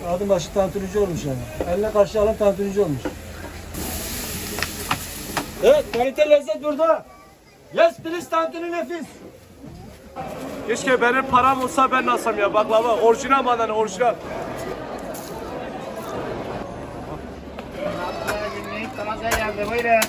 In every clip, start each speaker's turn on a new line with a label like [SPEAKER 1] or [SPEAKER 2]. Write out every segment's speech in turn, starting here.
[SPEAKER 1] Adım başı tantunici olmuş yani. Eline karşı alan tantunici olmuş. Evet, kalite lezzet burada. Yes please, tantuni nefis.
[SPEAKER 2] Keşke benim param olsa ben alsam ya baklava. Orijinal madeni orijinal.
[SPEAKER 3] Taze geldi, buyurun.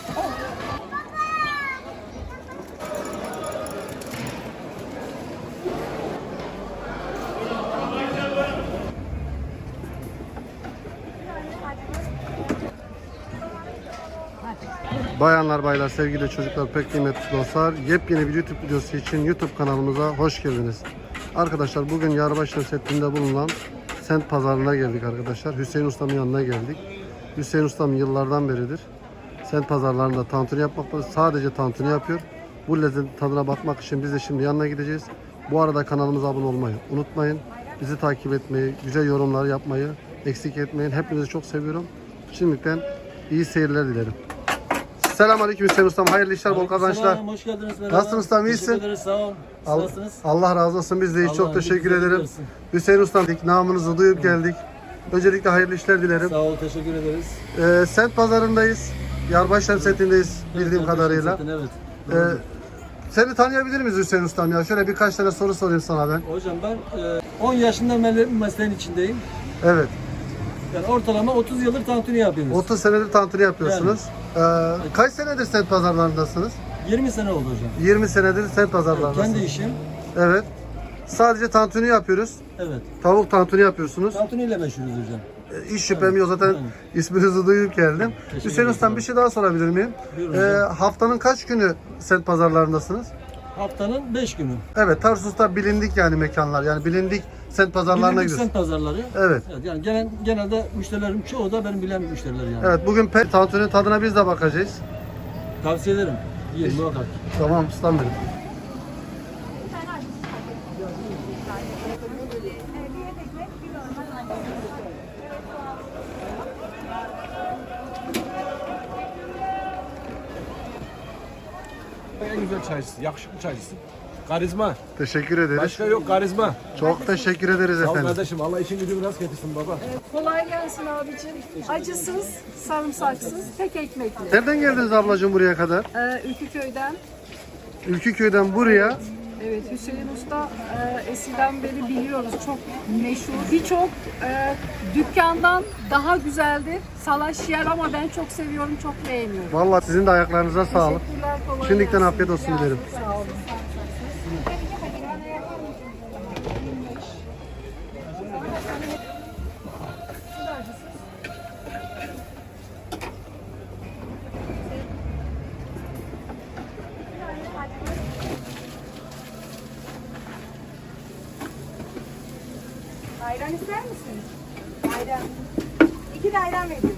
[SPEAKER 4] Bayanlar, baylar, sevgili çocuklar, pek kıymetli dostlar, yepyeni bir YouTube videosu için YouTube kanalımıza hoş geldiniz. Arkadaşlar bugün Yarbaşı setinde bulunan Sent Pazarı'na geldik arkadaşlar. Hüseyin Usta'nın yanına geldik. Hüseyin Usta'm yıllardan beridir Sent Pazarlarında tantuni yapmakta, sadece tantuni yapıyor. Bu lezzetin tadına bakmak için biz de şimdi yanına gideceğiz. Bu arada kanalımıza abone olmayı unutmayın. Bizi takip etmeyi, güzel yorumlar yapmayı eksik etmeyin. Hepinizi çok seviyorum. Şimdiden iyi seyirler dilerim. Selamünaleyküm Hüseyin Ustam. Hayırlı işler, bol kazançlar.
[SPEAKER 1] Selam, hoş geldiniz. Merhaba.
[SPEAKER 4] Nasılsın ustam, iyisin?
[SPEAKER 1] Teşekkür ederiz, sağ olun. Nasılsınız?
[SPEAKER 4] Allah razı olsun. Biz de iyi. Çok
[SPEAKER 1] Allah
[SPEAKER 4] teşekkür
[SPEAKER 1] iyilik
[SPEAKER 4] ederim.
[SPEAKER 1] versin.
[SPEAKER 4] Hüseyin Ustam, namınızı duyup geldik. Öncelikle hayırlı işler dilerim.
[SPEAKER 1] Sağ ol, teşekkür ederiz.
[SPEAKER 4] Sent Pazarı'ndayız. Yarbaşı Semt'indeyiz bildiğim kadarıyla.
[SPEAKER 1] Evet.
[SPEAKER 4] Seni tanıyabilir miyiz Hüseyin Ustam ya? Şöyle birkaç tane soru sorayım sana ben.
[SPEAKER 1] Hocam ben 10 yaşından beri mesleğin içindeyim.
[SPEAKER 4] Evet.
[SPEAKER 1] Yani ortalama 30 yıldır tantuni yapıyoruz.
[SPEAKER 4] 30 senedir tantuni yapıyorsunuz. Kaç senedir Sent Pazarlarındasınız?
[SPEAKER 1] 20 sene oldu hocam.
[SPEAKER 4] 20 senedir Sent Pazarlarındasınız.
[SPEAKER 1] Kendi işim.
[SPEAKER 4] Evet. Sadece tantuni yapıyoruz.
[SPEAKER 1] Evet.
[SPEAKER 4] Tavuk tantuni yapıyorsunuz.
[SPEAKER 1] Tantuni ile meşhuruz hocam.
[SPEAKER 4] Hiç şüphem yok, zaten isminizi duyup geldim. Hüseyin Ustam, bir şey daha sorabilir miyim?
[SPEAKER 1] Buyurun hocam.
[SPEAKER 4] Haftanın kaç günü Sent Pazarlarındasınız?
[SPEAKER 1] Haftanın 5 günü.
[SPEAKER 4] Evet, Tarsus'ta bilindik yani mekanlar. Yani bilindik Sent Pazarlarına
[SPEAKER 1] Bilindik
[SPEAKER 4] gidiyoruz.
[SPEAKER 1] semt pazarları.
[SPEAKER 4] Evet.
[SPEAKER 1] Yani genelde müşterilerim çoğu da benim bilen müşteriler yani.
[SPEAKER 4] Evet, bugün tantuninin tadına biz de bakacağız.
[SPEAKER 1] Tavsiye ederim. Yiyin muhakkak.
[SPEAKER 4] Tamam ustam benim.
[SPEAKER 2] En güzel çaycısı, yakışıklı çaycısı. Karizma.
[SPEAKER 4] Teşekkür ederiz.
[SPEAKER 2] Başka yok karizma.
[SPEAKER 4] Çok teşekkür ederiz
[SPEAKER 2] Sağ ol
[SPEAKER 4] efendim.
[SPEAKER 2] kardeşim. Allah işin gücünü rast getirsin baba.
[SPEAKER 5] Kolay gelsin abicim. Acısız, sarımsaksız, tek ekmekli.
[SPEAKER 4] Nereden geldiniz ablacığım buraya kadar?
[SPEAKER 5] Ülküköy'den.
[SPEAKER 4] Ülküköy'den buraya.
[SPEAKER 5] Evet, Hüseyin Usta eskiden beri biliyoruz. Çok meşhur. Birçok dükkandan daha güzeldir. Salaş yer ama ben çok seviyorum, çok beğeniyorum.
[SPEAKER 4] Vallahi sizin de ayaklarınıza sağlık.
[SPEAKER 5] Teşekkürler, kolay
[SPEAKER 4] Şimdiden
[SPEAKER 5] gelsin.
[SPEAKER 4] afiyet olsun dilerim.
[SPEAKER 5] Sağ olun.
[SPEAKER 6] Ayran ister misiniz? Ayran. 2 de ayran vereyim.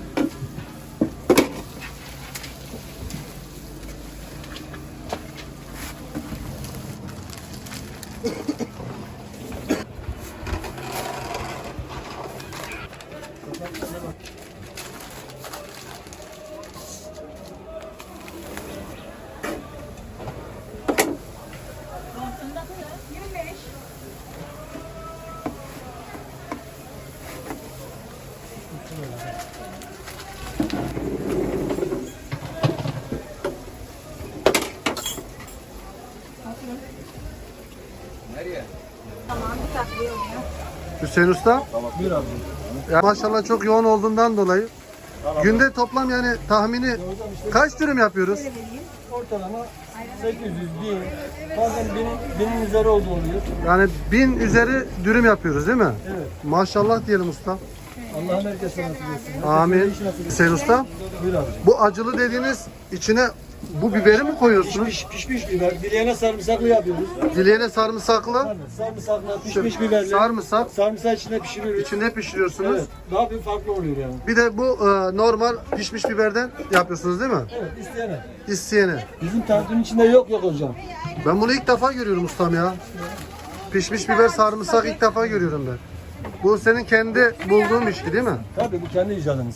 [SPEAKER 6] Tamam, bir tatlı oluyor.
[SPEAKER 4] Hüseyin Usta.
[SPEAKER 1] Buyur abi.
[SPEAKER 4] Ya maşallah çok yoğun olduğundan dolayı günde toplam yani tahmini kaç dürüm yapıyoruz?
[SPEAKER 1] Ortalama 800, 1000, bazen 1000'in üzeri olduğu oluyor.
[SPEAKER 4] Yani 1000 üzeri dürüm yapıyoruz değil mi?
[SPEAKER 1] Evet.
[SPEAKER 4] Maşallah diyelim usta.
[SPEAKER 1] Allah'ın herkese nasip etsin.
[SPEAKER 4] Amin.
[SPEAKER 1] Herkese iş nasip etsin.
[SPEAKER 4] Hüseyin Usta,
[SPEAKER 1] Buyur abi.
[SPEAKER 4] bu acılı dediğiniz içine bu biberi mi koyuyorsunuz?
[SPEAKER 1] Pişmiş biber. Dileğine sarımsaklı yapıyoruz.
[SPEAKER 4] Dileğine sarımsaklı,
[SPEAKER 1] Sarımsaklı, pişmiş biberli.
[SPEAKER 4] sarımsak
[SPEAKER 1] Sarımsak içine pişiriyoruz.
[SPEAKER 4] içinde pişiriyorsunuz.
[SPEAKER 1] Evet. Daha bir farklı oluyor yani.
[SPEAKER 4] Bir de bu normal pişmiş biberden yapıyorsunuz değil mi?
[SPEAKER 1] Evet, isteyene.
[SPEAKER 4] İsteyene.
[SPEAKER 1] Bizim tantinin içinde yok hocam.
[SPEAKER 4] Ben bunu ilk defa görüyorum ustam ya. Pişmiş biber sarımsak ilk defa görüyorum ben. Bu senin kendi bulduğun bir şey değil mi?
[SPEAKER 1] Tabii bu kendi icadımız.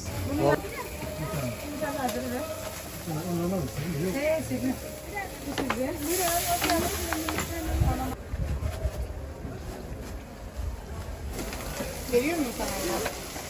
[SPEAKER 6] Veriyor muyum sana?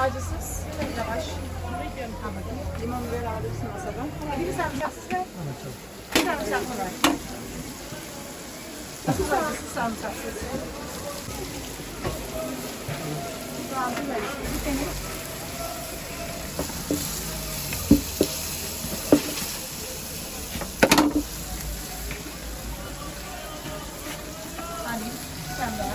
[SPEAKER 5] acısız. Yavaş. Limon biber alırsın masadan.
[SPEAKER 6] Biri sarımsaksız ve bir sarımsaklı var.
[SPEAKER 5] Çok acısız sarımsaksız.
[SPEAKER 6] Soğanlı var. Bir tane.
[SPEAKER 5] Hani sen daha.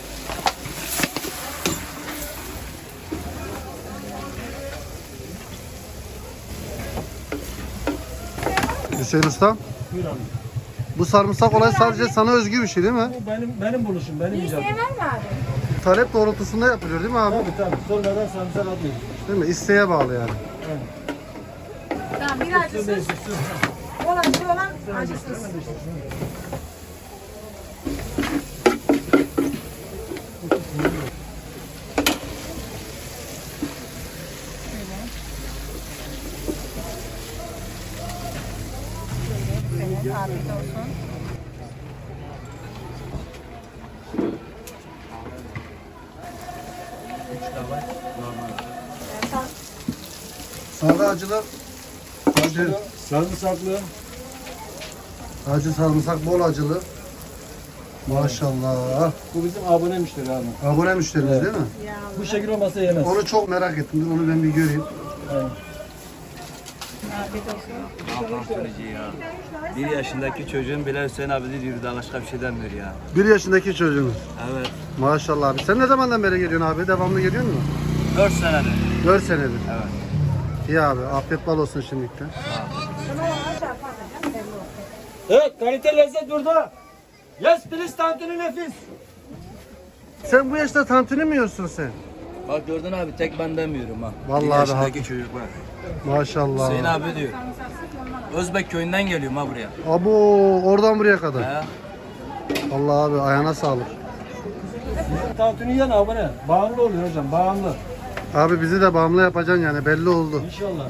[SPEAKER 4] Hüseyin Usta,
[SPEAKER 1] Buyur abi.
[SPEAKER 4] bu sarımsak olay sadece sana özgü bir şey değil mi?
[SPEAKER 1] Bu benim buluşum, benim icadım.
[SPEAKER 6] İsteyen var mı abi?
[SPEAKER 4] Talep doğrultusunda yapılıyor değil mi abi?
[SPEAKER 1] Tabii. Sonradan sarımsak atıyoruz.
[SPEAKER 4] Değil mi? İsteğe bağlı yani.
[SPEAKER 6] Tamam bir acısız. Olan acısız.
[SPEAKER 5] Evet, afiyet olsun.
[SPEAKER 4] Sade acılar, acı,
[SPEAKER 1] Sarımsaklı.
[SPEAKER 4] acı sarımsak bol acılı. Maşallah.
[SPEAKER 1] Bu bizim abone müşteri abi.
[SPEAKER 4] Abone müşterimiz
[SPEAKER 1] Evet.
[SPEAKER 4] değil mi?
[SPEAKER 1] Bu şekil olmasa yemez.
[SPEAKER 4] Onu çok merak ettim. Dur onu ben bir göreyim.
[SPEAKER 1] Aynen.
[SPEAKER 5] Afiyet olsun.
[SPEAKER 7] Tantunici ya. 1 yaşındaki çocuğun bile Hüseyin abi diyor daha başka bir şey demiyor ya.
[SPEAKER 4] 1 yaşındaki çocuğunuz.
[SPEAKER 7] Evet.
[SPEAKER 4] Maşallah abi. Sen ne zamandan beri geliyorsun abi? Devamlı geliyor musun?
[SPEAKER 7] 4 senedir.
[SPEAKER 4] 4 senedir.
[SPEAKER 7] Evet.
[SPEAKER 4] İyi abi. Afiyet bal olsun şimdilikten.
[SPEAKER 1] Evet, kalite lezzet burada. Yes, please, tantuni nefis.
[SPEAKER 4] Sen bu yaşta tantuni mi yiyorsun sen?
[SPEAKER 7] Bak gördün abi tek ben demiyorum ha.
[SPEAKER 4] Vallahi
[SPEAKER 7] 1
[SPEAKER 4] abi,
[SPEAKER 7] yaşındaki
[SPEAKER 4] haklı.
[SPEAKER 7] çocuk var.
[SPEAKER 4] Maşallah.
[SPEAKER 7] Hüseyin abi diyor. Özbek köyünden geliyorum ha buraya.
[SPEAKER 4] Abo oradan buraya kadar.
[SPEAKER 7] He.
[SPEAKER 4] Allah abi ayağına sağlık.
[SPEAKER 1] Tantuni yiyen abone. Bağımlı oluyor hocam, bağımlı.
[SPEAKER 4] Abi bizi de bağımlı yapacaksın yani belli oldu.
[SPEAKER 1] İnşallah.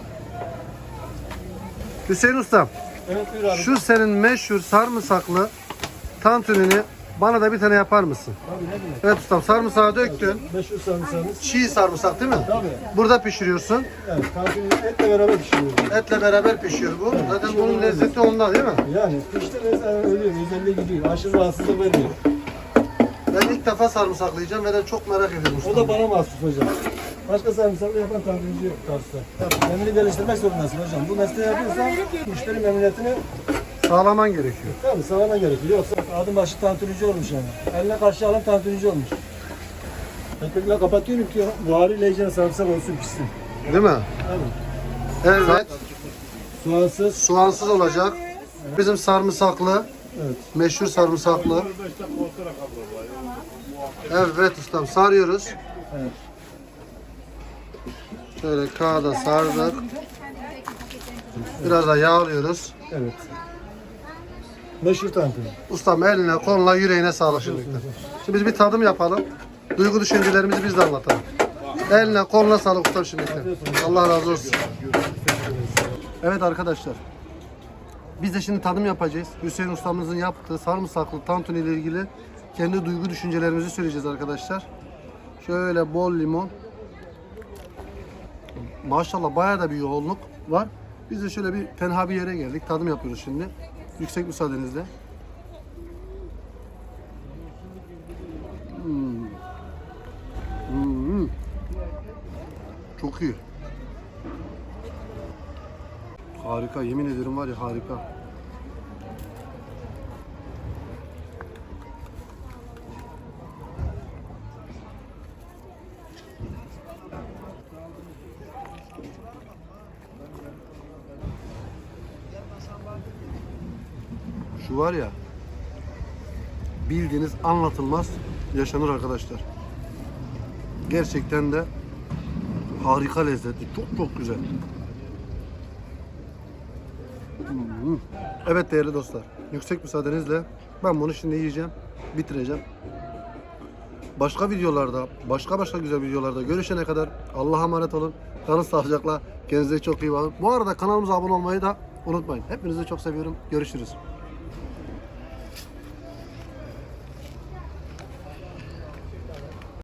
[SPEAKER 4] Hüseyin Usta,
[SPEAKER 1] Evet, buyur abi.
[SPEAKER 4] şu senin meşhur sarımsaklı tantunini bana da bir tane yapar mısın?
[SPEAKER 1] Abi ne demek?
[SPEAKER 4] Evet ustam, sarımsağı döktün.
[SPEAKER 1] 500 sarımsağımız.
[SPEAKER 4] Çiğ sarımsak değil mi?
[SPEAKER 1] Tabii.
[SPEAKER 4] Burada pişiriyorsun.
[SPEAKER 1] Evet, tantuni etle beraber pişiriyoruz.
[SPEAKER 4] Etle beraber pişiyor bu. Zaten bunun lezzeti ondan değil mi?
[SPEAKER 1] Yani pişti mesela ölüyor, özelliği gidiyor. Aşırı rahatsızlık vermiyor.
[SPEAKER 4] Ben ilk defa sarımsaklı yiyeceğim ve de çok merak ediyorum
[SPEAKER 1] O
[SPEAKER 4] ustam.
[SPEAKER 1] da bana mahsus hocam. Başka sarımsaklı yapan tantunici yok Tarsus'ta. Kendini geliştirmek zorundasın hocam. Bu mesleği yapıyorsan müşteri memnuniyetini
[SPEAKER 4] Sağlaman gerekiyor.
[SPEAKER 1] tabii sağlaman gerekiyor. Yoksa adım başı tantunici olmuş yani. Eline karşı alan tantunici olmuş. Ekmekle kapatıyorum ki buharıyla iyice sarımsak olsun pişsin.
[SPEAKER 4] Değil mi?
[SPEAKER 1] Tabii.
[SPEAKER 4] Evet.
[SPEAKER 1] Soğansız.
[SPEAKER 4] Soğansız olacak. Bizim sarımsaklı.
[SPEAKER 1] Evet.
[SPEAKER 4] Meşhur sarımsaklı. Evet ustam sarıyoruz.
[SPEAKER 1] Evet.
[SPEAKER 4] Şöyle kağıda sardık. Biraz da yağlıyoruz.
[SPEAKER 1] Evet. Meşhur tantuni.
[SPEAKER 4] Ustam eline, koluna, yüreğine sağlık şimdilikten. Şimdi biz bir tadım yapalım. Duygu düşüncelerimizi biz de anlatalım. Eline, koluna sağlık ustam şimdilikten. Allah razı olsun. Evet arkadaşlar. Biz de şimdi tadım yapacağız. Hüseyin ustamızın yaptığı sarımsaklı tantuni ile ilgili kendi duygu düşüncelerimizi söyleyeceğiz arkadaşlar. Şöyle bol limon. Maşallah bayağı da bir yoğunluk var. Biz de şöyle bir tenha bir yere geldik. Tadım yapıyoruz şimdi. Yüksek müsaadenizle. Çok iyi. Harika, yemin ederim var ya harika. Şu var ya, bildiğiniz anlatılmaz yaşanır arkadaşlar. Gerçekten de harika lezzetli, çok güzel. Evet değerli dostlar, yüksek müsaadenizle ben bunu şimdi yiyeceğim, bitireceğim. Başka videolarda, başka güzel videolarda görüşene kadar Allah'a emanet olun. Kalın sağlıcakla, kendinize çok iyi bakın. Bu arada kanalımıza abone olmayı da unutmayın. Hepinizi çok seviyorum. Görüşürüz.